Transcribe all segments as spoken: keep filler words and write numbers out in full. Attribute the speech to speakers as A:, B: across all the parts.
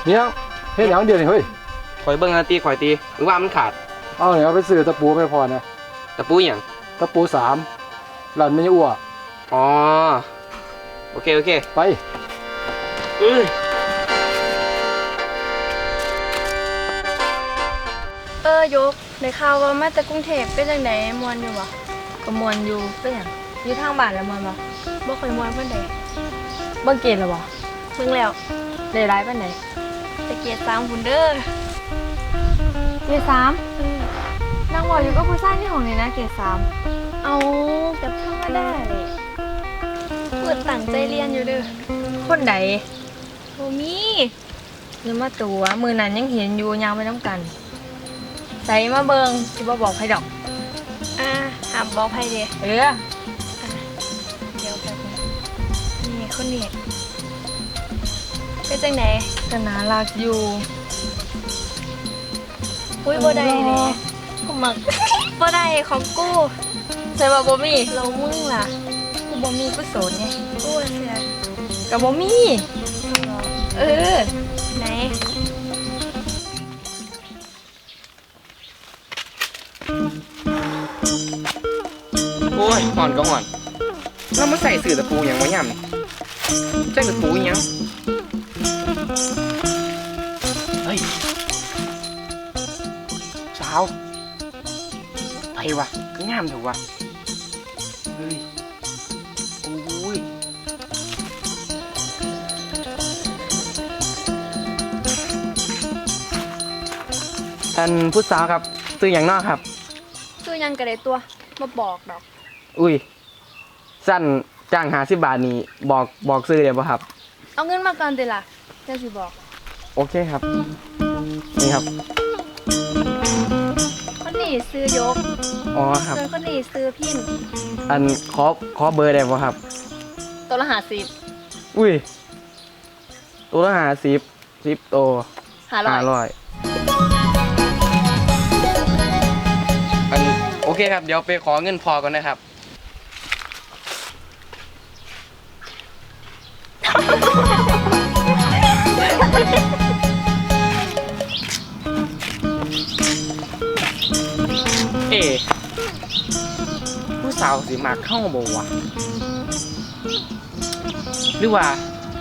A: เนี่ยเฮ็ดหยังเดียวนี่เฮ้ย
B: ข่อยเบิ่งนาตีข่อยตีหรือว่ามันขาด
A: เอาเนี่ยเอาไปซื้อตะปูไม่พอนะ
B: ตะปูหยัง
A: ตะปูสามหลั่นไม่อ้ว
B: อ๋อโอเคโอเค
A: ไป
B: เอ้ย
C: เออยกในข่าวว่ามาจากกรุงเทพเป็นจังไดมวนอยู่บ่
D: ก็มวนอยู่เป็นหยังอยู่ทางบ้านแล้วมวนบ่
C: บ่ค่อยมวนปานใด
D: เบิ่งเกณฑ์แล้วบ่
C: เบิ่งแล้ว
D: ได้ร้ายปานใด
C: ตะเกียรติสามพุ่นเด้อ
D: เกรดสามนางบอกอยู่ก็ผู้ชายที่ห้องนี่นะเกรดสาม
C: เอากับธรรมดาเลยเปิดตั้งใจเรียนอยู่เด้อ
D: คนใด
C: บ่มี
D: อย่ามาตัวมื้อนั้นยังเห็นอยู่ยางไปนํกันใส่มาเบิ่งสิบ่บอกใครดอก
C: อ่าห้ามบอกไผเด้
D: เออ
C: เดี๋ยวแป๊บนึงนี่คนนี้เป็นจังได
D: ก็น่ารักอยู่
C: อุ้ยบ่ได้เด้
D: กูมัก
C: บ่ได้ของกู
D: ใส่ว่าบ่มี
C: เรามึงล่ะ
D: กูบ่มีกูโสดไง
C: กูเสีย
D: ก็บ่มีเออ
C: ไหน
B: โอ้ยห่อนก็ห่อนเรามาใส่สื่อตะปูหยังวะย่ำใส่ตะปูหยังเฮ้ยสาวไปวะก็งามถูกวะเฮ้ยโอ้ยท่านผู้สาวครับซื้ออย่างนอกครับ
C: ซื้อยังก็ได้ตัวมาบอกดอก
B: อุ้ยสั้นจ้างหาสิบบาทนี่บอกบอกซื้อเดี๋ยวป่ะครับ
C: เอาเงินมาก่อนเดี๋ยวล่ะจะสิบอก
B: โอเคครับนี่ครับ
C: คนนี้ซื้อยก
B: อ๋อครับ
C: ส่วนคนนี้ซื้อพิน
B: อันขอขอเบอร์ได้ป่ะครับ
D: ตัวละห้าสิบ
B: อุ้ยตัวละห้าสิบสิบตัว
D: ห้าร้อยห้าร้อย
B: อันโอเคครับเดี๋ยวไปขอเงินพอก่อนนะครับเอ๋ผู้สาวสิมาเข้าบ่วะหรือว่า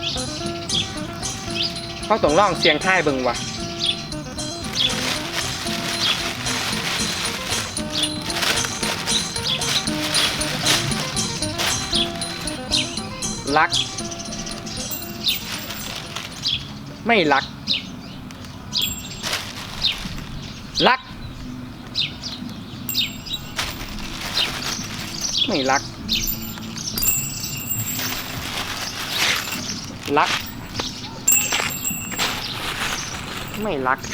B: เขาต้องลองเสียงท้ายเบิ่งวะรักไม่รักรักไม่รักรักไม่รัก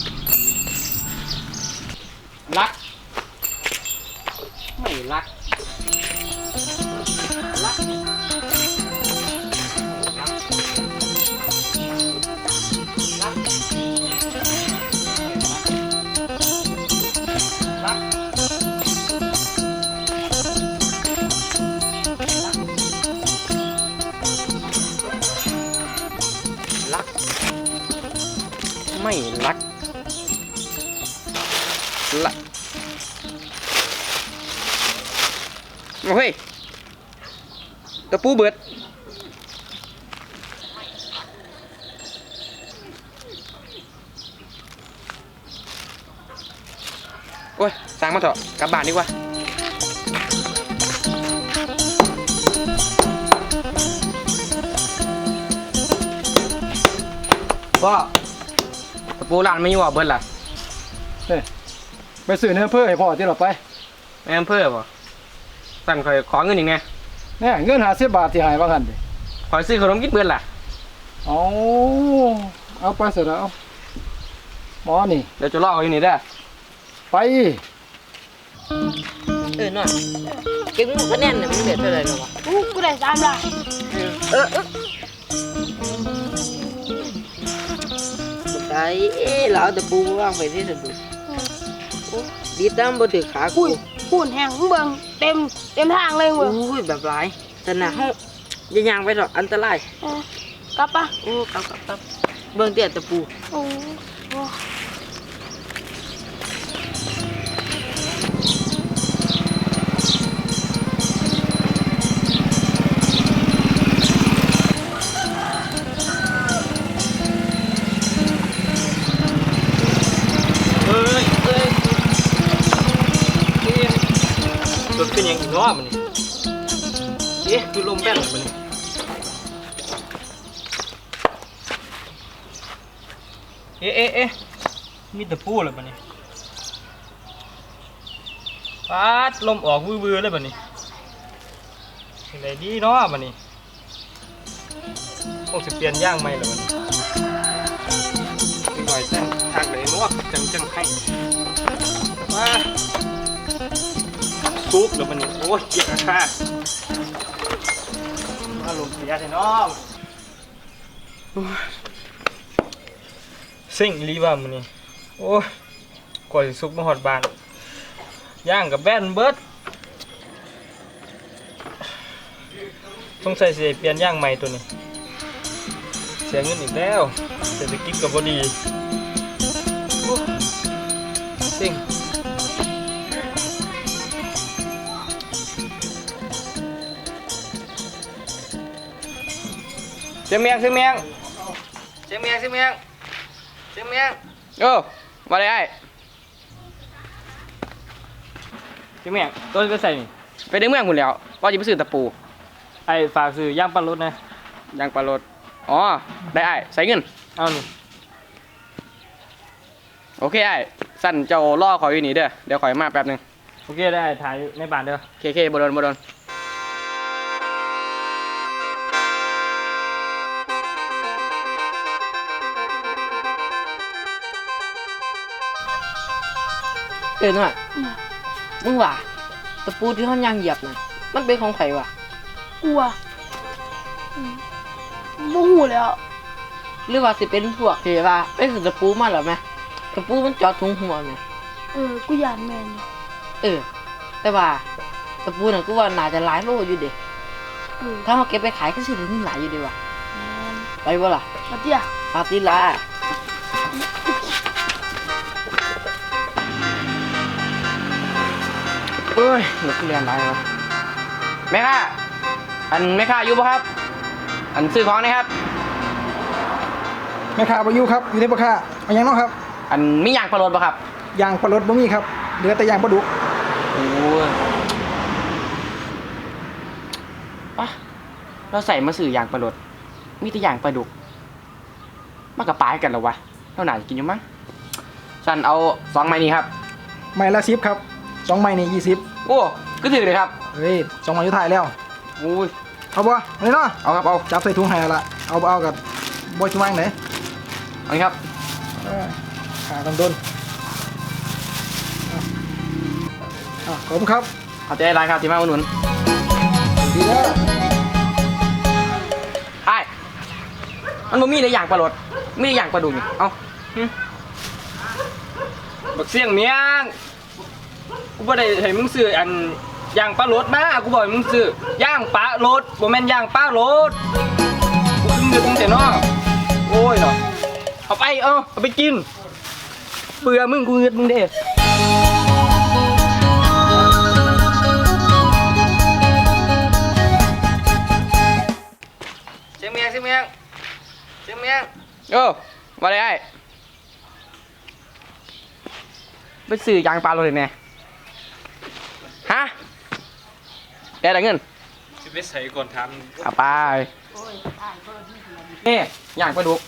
B: รักไม่รักรักไม่รักละโอ้ยตะปูเบิดโอ้ยสั่งมาเถอะกลับบ้านดีกว่าพ่อตะปูร้านไม่อยู่อ่ะเบิดล่ะ
A: เฮ้ยไปซื้อเนื้อเพื่อให้พ่อที่เราไป
B: แม่เพื่อป่ะสั่งคอยขอเงินอีกไง
A: เนี่ยเงินหาสิบบาทที่หายบ้างกันดิ
B: คอยซื้อขนมกินเบิดล่ะ
A: เอาเอาไปเสร็จแล้วหมอนี่
B: เดี๋ยวจะลอกอยู่นี่ได้
A: ไป
D: เออหน่อยเก่งคะแนนเนี่ยมึงเดือดเท่าไรหรอวะ
C: อู้กูได้สามละ
D: เออไอ้เอ๋เหล่าตะปูว่างไปที่ตะปูดีตามบนถือขากู
C: หุ่นแห้งเบิ่งเต็มเต็มทางเลยเว้ย
D: อุ้ยแบบไรแต่หนาเขาอย่ายางไปหรอกอันตราย
C: กลับปะ
D: โอ้กลับกลับกลับ
B: เบิ่งเตี้ยตะปู
C: โอ้โห
A: เอ้ยเอ้ยนี่รถเป็นยังอีกเนาะมันนี่เอ๊ะคือลมแป้นมันนี่เอ๊ะเอ๊ะเอ๊ะมีแต่ปูเลยมันนี่ปาดลมออกวื้อๆเลยมันนี่เป็นไรดีเนาะมันนี่คงจะเปลี่ยนย่างใหม่แล้วมันนี่หน่อยแต่งทางไหนเนาะจังจังให้มาซุกแล้วมันนี่โอ้ยเกียกค่ะอารมณ์เสียแท้น้องสิ่งรีว่ามันนี่โอ้ยกว่าจะซุกมาหอดบานย่างกับแบนเบิร์ดต้องใส่เสียเปลี่ยนย่างใหม่ตัวนี้เสียเงินอีกแล้วเศรษฐกิจก็บ่ดีโอ้สิ่งเสียงเมียงเสียงเมียงเสียงเมียงเสียงเมียงเสียงเมียงโอ้มาเลยไอ้เสียงเมียงตัวก็ใส่นี่ไปในเมืองหมดแล้วว่าจะไปซื้อตะปูไอ้ฝากซื้อย่างปลารถนะย่างปลารถอ๋อได้ไอ้ใส่เงินเอาหนึ่งโอเคไอ้สั่นเจ้าล่อคอยอยู่นี่เด้อเดี๋ยวคอยมาแป๊บหนึงโอเคได้ถ่ายในบ้านเด้อเคเคบโดนบโดน
B: เออหน่อยมึงว่าตะปูที่เขาย่างเหยียบน่ะมันเป็นของไผวะ
C: กลัวอืมบ่หูแล้ว
B: หรือว่าสิเป็นพวกที่ว่าไปซื้อตะปูมาหรอไหมตะปูมันเจอดถุงหัวเนี่ย
C: เออ กูยานแม่นอยู่
B: เออ แต่ว่าตะปูน่ะกูว่าน่าจะหลายโลอยู่เด็
C: เออ
B: ถ้าเขาเก็บไปขายก็สิได้เงินหลายอยู่เดีว่ะ
C: แม่น
B: ไปบ่ล่ะ
C: มาเตี้ย
B: ปาติลาเอ้ยรถเรียนอะไรวะแม่ค้าอันแม่ค้าอยู่ปะครับ อันซื้อของนะครับ
A: แม่ค้าประยุครับอยู่ที่ปะค้าเอายังเนาะครับ
B: อันมีอย่างปลาโรดปะครับ
A: ยางปลารถบ่มีครับเหลือแต่ยางปลาดุก
B: โอ้ยปะเราใส่มาสื่ออย่างปลาโรดมีแต่อย่างปลาดุกมันกับปลากันเหรอวะเท่าไหร่กินอยู่มั้งฉันเอาสองไม้นี้ครับ
A: ไม้ละสิบครับสองไม้นี่ยี่สิบ
B: โอ้ก็ถือเลยครับ
A: เฮ้ยสองไม้อยู่ถ่ายแล้ว
B: โอ้ย
A: เอาบ่เอาเลยเนาะ
B: เอาครับเอา
A: จับใส่ถุงให้แล้วละเอาบ่เอากับบ่ชิวางไหน
B: เอาเลยครับ
A: เออขาต้องโดนอ่ะขอบคุณครับ
B: เอาใจร้ายครับที่มาอุดหนุน
A: ดีแล้ว
B: ไอ้มันบ่มีแต่อย่างปลาโรดมีแต่อย่างปลาดุกนี่เอาหึบักเสี่ยงเมียงกูบ่ได้ให้มึงซื้ออันย่างปลาโรดมากูบอกให้มึงซื้อย่างปลาโรดบ่แม่นย่างปลาโรดกูเพิ่งนึกตั้งแต่น้อโอ้ยเนาะเอาไปเอาเอาไปกินเบื่อมึงกูเงือดมึงเด้เสียงเมียงเสียงเมียงเสียงเมียงโอ้มาเลยไอ้ไปซื้อยางปลาโรดเลยแน่ฮะได้แต่เงิน
A: สิไปใส่ก่อนท
B: เอาไปนี่ย่างปลาดุก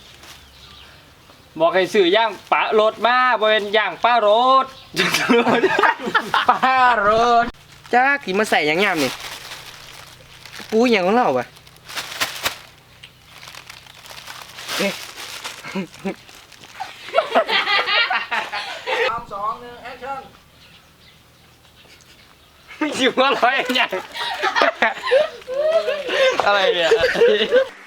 B: บอกให้ซื้อย่างปลารถมาบ่เป็นย่างปลารถ ปลารถจ้ากี่มาใส่อย่างงามนี่ปูอย่างของเราปะเอ๊ะ
A: สามสองหนึ่งแอคชั่น
B: อยู่ว่าร้อยอย่างอะไรเนี่ย